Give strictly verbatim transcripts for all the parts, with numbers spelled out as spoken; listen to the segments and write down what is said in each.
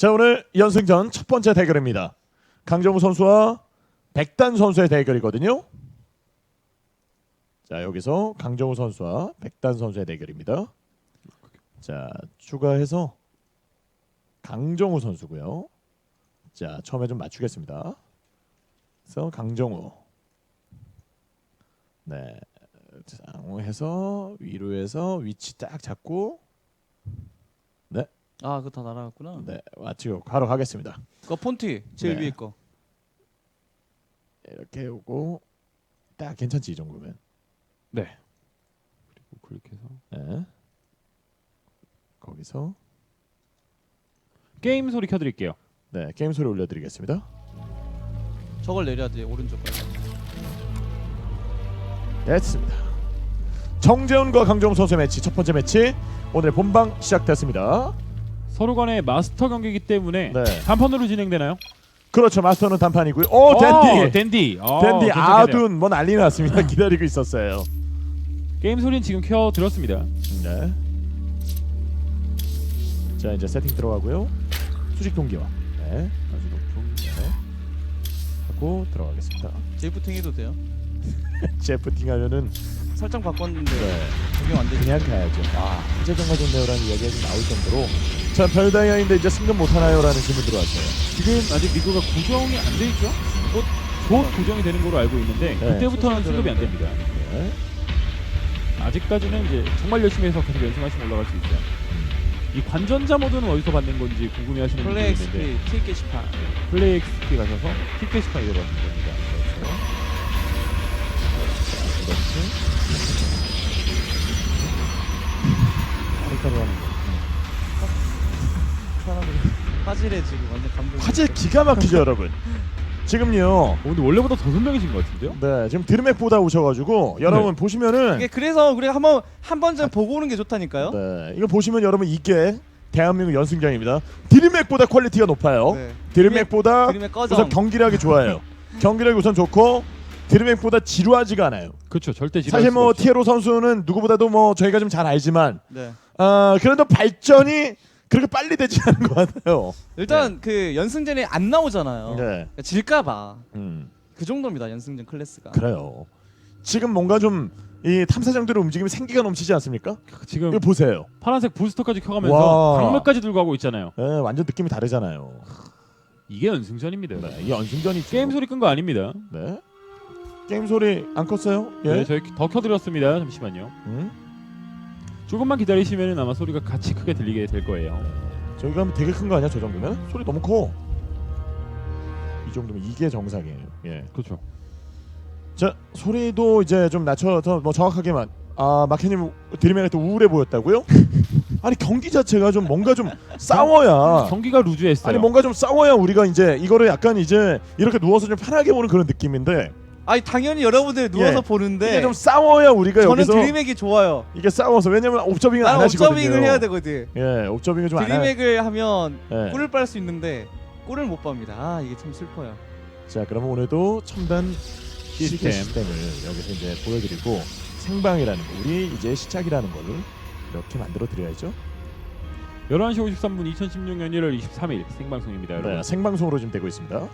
자, 오늘 연승전 첫 번째 대결입니다. 강정우 선수와 백단 선수의 대결이거든요. 자, 여기서 강정우 선수와 백단 선수의 대결입니다. 자, 추가해서 강정우 선수고요. 자, 처음에 좀 맞추겠습니다. 그래서 강정우. 네, 해서 위로 해서 위치 딱 잡고. 네. 아, 그거 다 날아갔구나. 네, 맞추고 가로 가겠습니다. 그 폰트 제일 네. 위에 거. 이렇게 오고 딱 괜찮지 이 정도면. 네. 그리고 클릭해서 네. 거기서 게임 소리 켜드릴게요. 네, 게임 소리 올려드리겠습니다. 저걸 내려야 돼, 오른쪽 거. 됐습니다. 정재훈과 강정우 선수의 매치 첫 번째 매치 오늘 본방 시작됐습니다. 서로 간의 마스터 경기이기 때문에 네. 단판으로 진행되나요? 그렇죠. 마스터는 단판이고요. 오, 댄디. 댄디. 어, 댄디 괜찮겠네요. 아둔 뭐 난리 났습니다. 기다리고 있었어요. 게임 소리는 지금 켜 들었습니다. 네. 자, 이제 세팅 들어가고요. 수직 동기화. 네. 아주 높은. 네. 하고 들어가겠습니다. 제이프팅 해도 돼요? 제프팅 하면은 설정 바꿨는데 네. 적용 안 되죠. 그냥 가야죠. 아, 진짜 정말 좋네요라는 이야기가 좀 나올 정도로. 자, 별다이아인데 이제 승급 못 하나요라는 질문 들어왔어요. 지금 아직 리그가 고정이 안 돼 있죠? 곧, 곧 고정이 되는 걸로 알고 있는데 네. 그때부터는 승급이 안 됩니다. 네. 아직까지는 이제 정말 열심히 해서 계속 연승하시면 올라갈 수 있어요. 이 관전자 모드는 어디서 받는 건지 궁금해하시는 분들이 플레이 있는데 엑스피 티 게시판. 플레이 엑스피 가셔서 킥 게시판 이용하시면 됩니다. 그렇지. 아리까로 하는 거. 화질에 지금 완전 감동. 화질 기가 막히죠, 여러분. 지금요. 어, 근데 원래보다 더 선명해진 것 같은데요? 네, 지금 드림맥보다 오셔가지고 여러분 네. 보시면은 이게 그래서 우리가 한번 한 번쯤 보고 오는 게 좋다니까요. 네, 이거 보시면 여러분 이게 대한민국 연승장입니다. 드림맥보다 퀄리티가 높아요. 네. 드림맥보다 드림맥 꺼져. 우선 경기력이 좋아요. 경기력이 우선 좋고 드림맥보다 지루하지가 않아요. 그렇죠. 절대 지루할 사실 수가 뭐 없죠. 티에로 선수는 누구보다도 뭐 저희가 좀 잘 알지만 네. 어, 그래도 발전이 그렇게 빨리 되지 않은 것 같아요. 일단 그 연승전에 안 나오잖아요. 네. 그러니까 질까봐. 음, 그 정도입니다, 연승전 클래스가. 그래요. 지금 뭔가 좀 이 탐사장들의 움직임이 생기가 넘치지 않습니까? 지금 이거 보세요. 파란색 부스터까지 켜가면서 와. 강물까지 들고 가고 있잖아요. 네, 완전 느낌이 다르잖아요. 이게 연승전입니다. 네, 이 연승전이죠. 게임 소리 끈 거 아닙니다. 네. 게임 소리 안 껐어요? 예. 네, 저희 더 켜드렸습니다. 잠시만요. 음? 조금만 기다리시면 아마 소리가 같이 크게 들리게 될 거예요. 저기가 하면 되게 큰 거 아니야? 저 정도면? 소리 너무 커. 이 정도면 이게 정상이에요. 예. 그렇죠. 자, 소리도 이제 좀 낮춰서 뭐 정확하게만. 아, 마케님 드림에가 또 우울해 보였다고요? 아니 경기 자체가 좀 뭔가 좀 싸워야. 경기가 루즈했어요. 아니 뭔가 좀 싸워야 우리가 이제 이거를 약간 이제 이렇게 누워서 좀 편하게 보는 그런 느낌인데. 아니 당연히 여러분들 누워서 예. 보는데 이게 좀 싸워야 우리가 저는 여기서 드림맥이 좋아요. 이게 싸워서 왜냐면 옵저빙을 안 나는 하시거든요. 옵저빙을 해야 되거든. 예, 옵저빙을 좀 안 하. 드림맥을 하면 예. 꿀을 빨 수 있는데 꿀을 못 빱니다. 아 이게 참 슬퍼요. 자, 그러면 오늘도 첨단 시스템. 시스템. 시스템을 여기서 이제 보여드리고 생방이라는 거, 우리 이제 시작이라는 거를 이렇게 만들어 드려야죠. 열한 시 오십삼 분 이천십육 년 일월 이십삼 일 생방송입니다, 여러분. 네, 생방송으로 지금 되고 있습니다.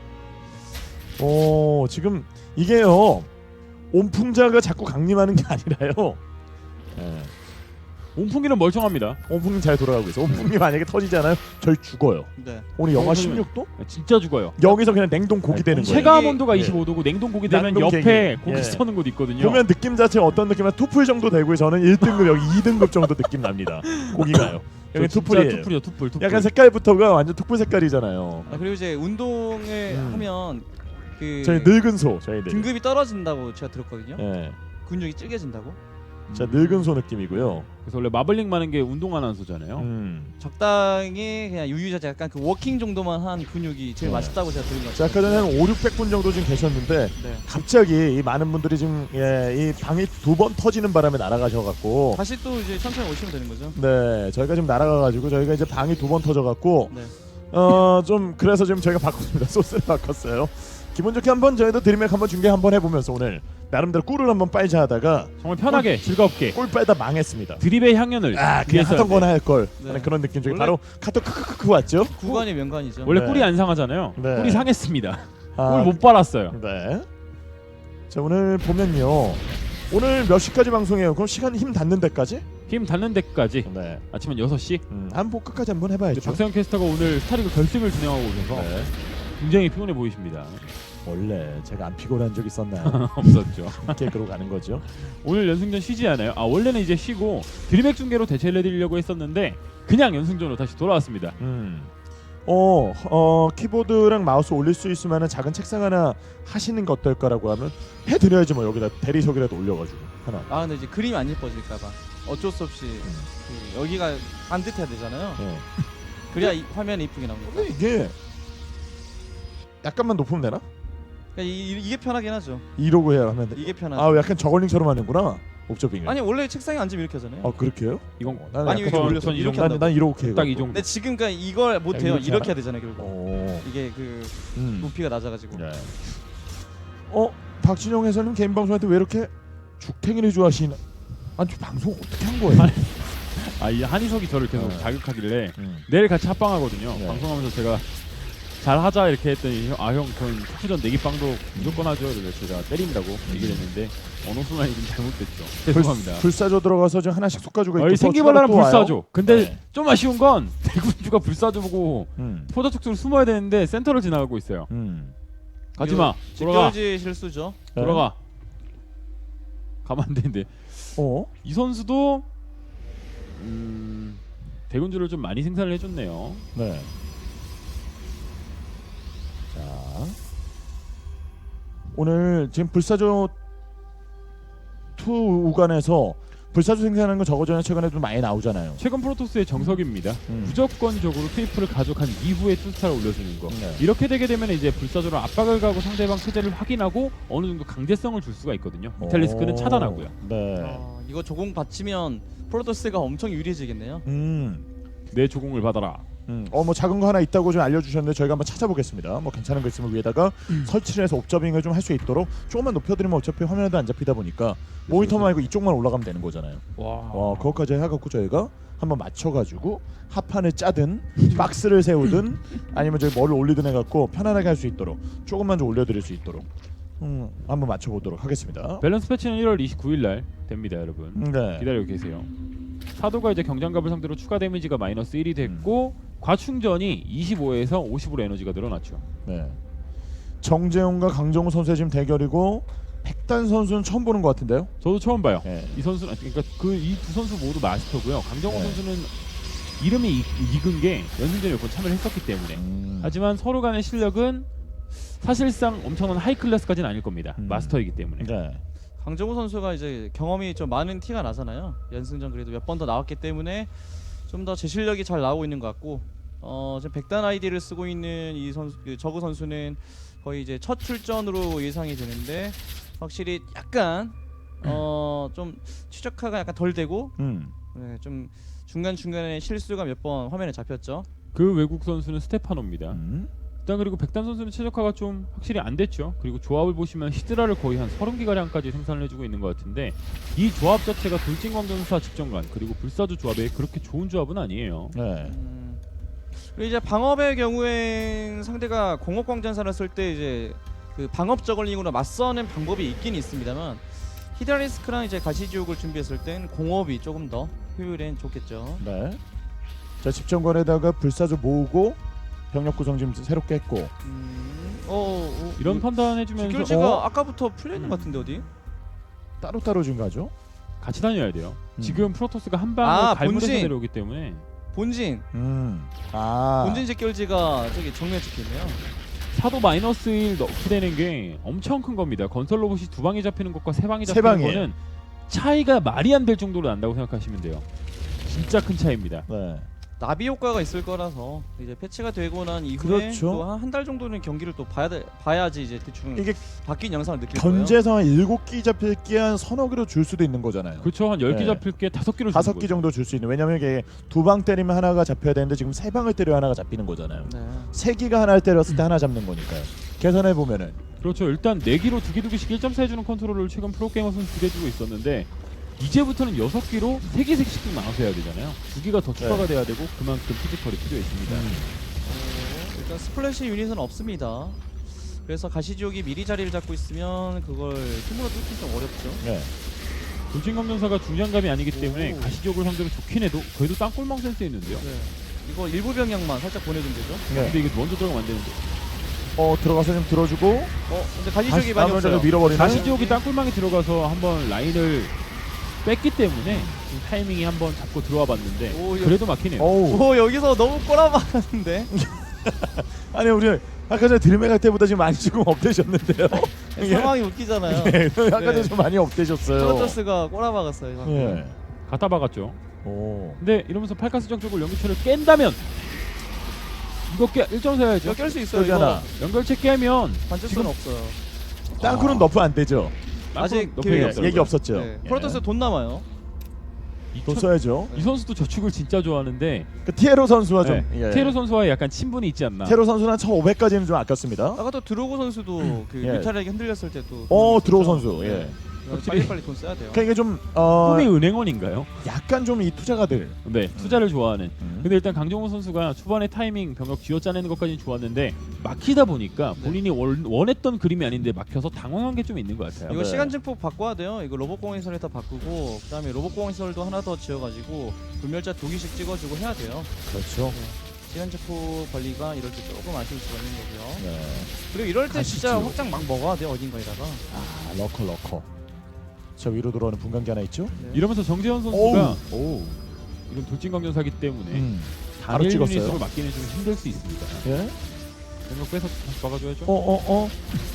오, 지금 이게요 온풍자가 자꾸 강림하는 게 아니라요. 네, 온풍기는 멀쩡합니다. 온풍이 잘 돌아가고 있어. 온풍이 만약에 터지잖아요, 저희 죽어요. 네. 오늘 영하 온풍이면- 십육 도? 진짜 죽어요. 여기서 그냥 냉동 고기 되는 거예요. 체감 온도가 예. 이십오 도고 냉동 고기 되면 난동 옆에 계기. 고기 예. 서는 곳 있거든요. 보면 느낌 자체가 어떤 느낌이야? 투풀 정도 되고 저는 일 등급 여기 이 등급 정도 느낌 납니다. 고기가요. 여기 저 진짜 투풀이에요. 투풀이요, 투풀, 투풀. 약간 색깔부터가 완전 투풀 색깔이잖아요. 아, 그리고 이제 운동을 음. 하면 그 저희 늙은 소, 저희들. 등급이 떨어진다고 제가 들었거든요. 예. 근육이 찔겨진다고. 자, 늙은 소 느낌이고요. 그래서 원래 마블링 많은 게 운동하는 한소잖아요. 음. 적당히 그냥 유유자재 약간 그 워킹 정도만 한 근육이 제일 네. 맛있다고 제가 들은 것 자, 같아요. 아까 전에 한 오륙백 분 정도 지금 계셨는데 네. 갑자기 이 많은 분들이 지금 예, 이 방이 두 번 터지는 바람에 날아가셔갖고 다시 또 이제 천천히 오시면 되는 거죠. 네, 저희가 지금 날아가가지고 저희가 이제 방이 두 번 터져갖고 네. 어 좀 그래서 지금 저희가 바꿨습니다. 소스를 바꿨어요. 기분 좋게 한번 저희도 드림맥 한번 중계 한번 해보면서 오늘 나름대로 꿀을 한번 빨자 하다가 정말 편하게 즐겁게 꿀 빨다 망했습니다. 드립의 향연을 아 그냥 위해서야 하던 돼. 거나 할 걸. 네. 하는 그런 느낌 중에 원래- 바로 카톡 크크크크 왔죠. 구간이 명간이죠. 원래 네. 꿀이 안 상하잖아요. 네. 꿀이 상했습니다. 아, 꿀 못 빨았어요. 네. 자 오늘 보면요. 오늘 몇 시까지 방송해요? 그럼 시간 힘 닿는 데까지? 힘 닿는 데까지 네. 아침 한 여섯 시. 음, 한번 끝까지 한번 해봐야죠. 박세영 캐스터가 오늘 스타리그 결승을 진행하고 오셔서 네. 굉장히 피곤해 보이십니다. 원래 제가 안 피곤한 적 있었나요? 없었죠. 이렇게 그러고 가는 거죠. 오늘 연승전 쉬지 않아요. 아 원래는 이제 쉬고 드리맥 중계로 대체를 해드리려고 했었는데 그냥 연승전으로 다시 돌아왔습니다. 음. 어, 어 키보드랑 마우스 올릴 수 있을 만한 작은 책상 하나 하시는 게 어떨까라고 하면 해드려야지 뭐 여기다 대리석이라도 올려가지고 하나. 아 근데 이제 그림이 안 예뻐질까봐 어쩔 수 없이 그 여기가 반듯해야 되잖아요. 네. 그래야 이 화면이 이쁘게 나옵니다. 근데 이게 약간만 높으면 되나? 그러니까 이, 이, 이게 편하긴 하죠. 이러고 해야 하면 돼. 이게 편하죠. 아 약간 저걸링처럼 하는구나. 옵저빙을. 아니 원래 책상에 앉으면 이렇게 하잖아요. 아 그렇게요? 이건 어, 나는 아니 약간 이렇게 전- 올려서 전 이 이렇게 정도- 난, 한다고. 난 이렇게 해가지고. 딱 이 정도. 근데 지금 그러니까 이걸 못 야, 해요. 이렇게 이렇게 하나? 해야 되잖아요. 결국 오. 이게 그 음. 높이가 낮아가지고. 네. 어 박진영 해설님 개인 방송할 때 왜 이렇게 죽탱이를 좋아하시나? 아니 저 방송 어떻게 한 거예요? 아이 한희석이 저를 계속 네. 자극하길래 음. 내일 같이 합방하거든요. 네. 방송하면서 제가 잘 하자 이렇게 했더니 아형 저는 투전 내기빵도 무조건 하죠. 그래서 제가 때린다고 얘기를 했는데 어느 순간 이좀 잘못됐죠. 죄송합니다. 불사조 들어가서 지금 하나씩 솎아주고 있고 어이 생기발랄한 또 와요? 불사조. 근데 네. 좀 아쉬운 건 대군주가 불사조 보고 음. 포자 쪽으로 숨어야 되는데 센터를 지나가고 있어요. 음. 가지마. 돌아가. 직결지 실수죠. 네. 돌아가. 가만 안 되는데 어? 이 선수도 음, 대군주를 좀 많이 생산을 해줬네요. 네. 자 오늘 지금 불사조 투 우간에서 불사조 생산하는 거 저거 전에 최근에 좀 많이 나오잖아요. 최근 프로토스의 정석입니다. 음. 무조건적으로 트리플을 가져간 이후에 투스타를 올려주는 거. 네. 이렇게 되게 되면 이제 불사조로 압박을 가고 상대방 체제를 확인하고 어느 정도 강제성을 줄 수가 있거든요. 이탈리스크는 오. 차단하고요. 네. 어, 이거 조공 받치면 프로토스가 엄청 유리해지겠네요. 음. 내 조공을 받아라. 음. 어뭐 작은 거 하나 있다고 좀 알려주셨는데 저희가 한번 찾아보겠습니다. 뭐 괜찮은 거 있으면 위에다가 음. 설치를 해서 옵저빙을 좀 할 수 있도록 조금만 높여드리면 어차피 화면에도 안 잡히다 보니까 모니터 말고 이쪽만 올라가면 되는 거잖아요. 와. 어, 그것까지 해갖고 저희가 한번 맞춰가지고 합판을 짜든 박스를 세우든 아니면 저희 뭐를 올리든 해갖고 편안하게 할 수 있도록 조금만 좀 올려드릴 수 있도록 음, 한번 맞춰보도록 하겠습니다. 밸런스 패치는 일월 이십구일 날 됩니다, 여러분. 네. 기다리고 계세요. 사도가 이제 경장갑을 상대로 추가 데미지가 마이너스 일이 됐고 음. 과충전이 이십오에서 오십으로 에너지가 늘어났죠. 네. 정재용과 강정호 선수의 지금 대결이고 백단 선수는 처음 보는 것 같은데요. 저도 처음 봐요. 네. 이 선수는 그러니까 그 이 두 선수 모두 마스터고요. 강정호 네. 선수는 이름이 이, 익은 게 연승전에 몇 번 참여를 했었기 때문에. 음. 하지만 서로 간의 실력은 사실상 엄청난 하이 클래스까지는 아닐 겁니다. 음. 마스터이기 때문에. 네. 강정호 선수가 이제 경험이 좀 많은 티가 나잖아요. 연승전 그래도 몇 번 더 나왔기 때문에 좀 더 제 실력이 잘 나오고 있는 것 같고 어, 지금 백단 아이디를 쓰고 있는 이 선수, 그 저그 선수는 거의 이제 첫 출전으로 예상이 되는데 확실히 약간 어, 좀 추적화가 약간 덜 되고 음. 네, 좀 중간 중간에 실수가 몇 번 화면에 잡혔죠. 그 외국 선수는 스테파노입니다. 음. 일단 그리고 백단 선수는 최적화가 좀 확실히 안 됐죠. 그리고 조합을 보시면 히드라를 거의 한 서른 기가량까지 생산을 해주고 있는 것 같은데 이 조합 자체가 돌진광전사 직전관 그리고 불사조 조합에 그렇게 좋은 조합은 아니에요. 네. 음, 그리고 이제 방업의 경우엔 상대가 공업광전사를 쓸 때 이제 그 방업 저글링으로 맞서는 방법이 있긴 있습니다만 히드라리스크랑 이제 가시지옥을 준비했을 땐 공업이 조금 더 효율엔 좋겠죠. 네. 자 집정관에다가 불사조 모으고 병력 구성 지금 새롭게 했고 음, 어, 어, 이런 판단해주면서 직결지가 어? 아까부터 풀려 있는 것 음. 같은데 어디? 따로따로 지금 가죠. 같이 다녀야 돼요. 음. 지금 프로토스가 한 방을 아, 갈무리해서 본진. 내려오기 때문에 본진, 음. 아. 본진 직결지가 저기 정면에 찍혀있네요. 사도 마이너스 일 넣게 되는 게 엄청 큰 겁니다. 건설 로봇이 두 방이 잡히는 것과 세 방이 세 잡히는 방이에요. 거는 차이가 말이 안 될 정도로 난다고 생각하시면 돼요. 진짜 큰 차이입니다. 네. 나비 효과가 있을 거라서 이제 패치가 되고 난 이후에 그렇죠. 한 달 정도는 경기를 또 봐야 돼, 봐야지 이제 대충 이게 바뀐 영상을 느낄 거예요. 견제상 한 일곱 기 잡힐 게 한 서너 개로 줄 수도 있는 거잖아요. 그렇죠. 한 열 개 네. 잡힐 게 다섯 개로 다섯 기 정도 줄 수 있는. 왜냐면 이게 두 방 때리면 하나가 잡혀야 되는데 지금 세 방을 때려 하나가 잡히는 거잖아요. 네. 세 기가 하나를 때렸을 때 하나 잡는 거니까요. 계산해 보면은 그렇죠. 일단 네 기로 두 개 두 개씩 일 점 사 해주는 컨트롤을 최근 프로게이머 선수 기대주고 있었는데 이제부터는 여섯 기로 세 개, 세 개씩 나눠서 해야 되잖아요. 두 개가 더 추가가 돼야 되고 그만큼 피지컬이 필요했습니다. 음. 어, 일단 스플래시 유닛은 없습니다. 그래서 가시지옥이 미리 자리를 잡고 있으면 그걸 힘으로 뚫기 좀 어렵죠. 네. 돌진검전사가 중장갑이 아니기 때문에 오. 가시적으로 상대로 좋긴 해도 그래도 땅골망 센스 있는데요. 네. 이거 일부 병력만 살짝 보내준 거죠. 네. 근데 이게 먼저 들어가면 안 되는데 어 들어가서 좀 들어주고 어, 근데 가시지옥이 많이 다음을 없어요. 밀어버리는. 가시지옥이 땅골망이 들어가서 한번 라인을 뺐기 때문에 지금 타이밍이 한번 잡고 들어와 봤는데 오, 이거- 그래도 막히네요. 어우. 오, 여기서 너무 꼬라박았는데. 아니 우리 아까 전에 드림에 갈 때보다 지금 많이 조금 업되셨는데요. 예. 상황이 웃기잖아요. 네, 아까 전에 네. 좀 많이 업되셨어요. 프로토스가 꼬라박았어요. 방금. 예. 갖다 박았죠. 오. 근데 이러면서 팔카스정 쪽을 연결체를 깬다면 이거 깨 일 점 사야죠. 이거 깰 수 있어요. 여기 이거 하나. 연결체 깨면 반칙수는 없어요. 땅굴은 아. 너프 안 되죠. 아직 높이 기회가 없더라고요. 얘기 없었죠. 네. 예. 프로토스 돈 남아요. 돈 써야죠. 이 선수도 저축을 진짜 좋아하는데 그 티에로 선수와 좀 네. 예. 테로 선수와의 약간 친분이 있지 않나. 테로 선수는 한 천오백까지는 좀 아꼈습니다. 아까 또 드로고 선수도 그 예. 뮤탈에게 흔들렸을 때도 어 드로우 선수. 예. 확실히- 빨리 빨리 돈 써야 돼요. 그러니까 이게 좀 어, 꿈이 은행원인가요? 약간 좀 이 투자가들. 네, 투자를 좋아하는. 음. 근데 일단 강정호 선수가 초반에 타이밍 병력 쥐어짜내는 것까지는 좋았는데 막히다 보니까 네. 본인이 원, 원했던 그림이 아닌데 막혀서 당황한 게 좀 있는 것 같아요. 이거 네. 시간 증폭 바꿔야 돼요. 이거 로봇공항시설 다 바꾸고 그다음에 로봇공항시설도 하나 더 지어가지고 불멸자 두 개씩 찍어주고 해야 돼요. 그렇죠. 시간 증폭 관리가 이럴 때 조금 아쉬울 수가 있는 거고요. 네. 그리고 이럴 때 진짜 가시죠. 확장 막 먹어야 돼요. 어딘가에다가. 아 러커 러커. 저 위로 들어오는 분광기 하나 있죠? 네. 이러면서 정재현 선수가 오, 이건 돌진강전사기 때문에 음. 바로 단일 찍었어요. 유닛으로 막기는 좀 힘들 수 있습니다. 예? 병력 빼서 다시 막아줘야죠. 어어 어.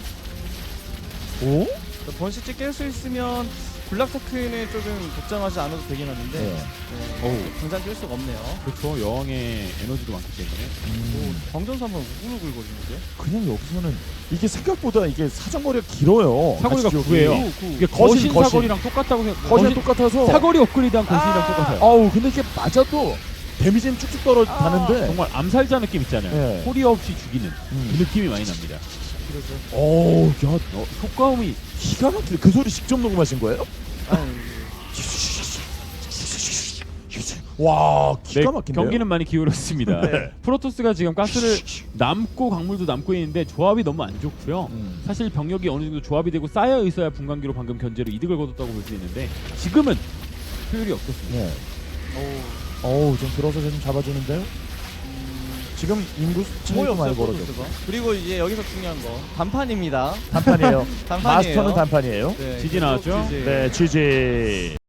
오? 번시치 깰 수 있으면 블락테크는 조금 걱정하지 않아도 되긴 하는데 네. 네, 어우. 당장 깰 수가 없네요. 그렇죠. 여왕의 에너지도 많기 때문에. 음. 광전사 한번 우글우글거리는데? 그냥 여기서는 이게 생각보다 이게 사정거리가 길어요. 사거리가 가시죠, 구예요. 여기. 이게 거신, 거신, 거신. 사거리랑 똑같다고 생각. 거진 똑같아서. 사거리 업그레이드한 거신이랑 아! 똑같아요. 아우 근데 이게 맞아도 데미지는 쭉쭉 떨어지는데. 정말 암살자 느낌 있잖아요. 네. 소리 없이 죽이는 음. 그 느낌이 많이 납니다. 그러죠. 어우 야 어, 효과음이 기가 막히네. 그 소리 직접 녹음하신 거예요? 아니, 와 네, 기가 막힌데요. 경기는 많이 기울었습니다. 네. 프로토스가 지금 가스를 남고 광물도 남고 있는데 조합이 너무 안 좋고요. 음. 사실 병력이 어느 정도 조합이 되고 쌓여 있어야 분광기로 방금 견제로 이득을 거뒀다고 볼 수 있는데 지금은 효율이 없었습니다. 네. 어우, 어우 좀 들어서 좀 잡아주는데요. 지금 인구 거의 차이도 많이 없어요, 벌어졌고 프로토스가. 그리고 이제 여기서 중요한 거 단판입니다. 단판이에요. 단판이에요. 마스터는 단판이에요. 네, 지지 나왔죠? 지지. 네, 지지.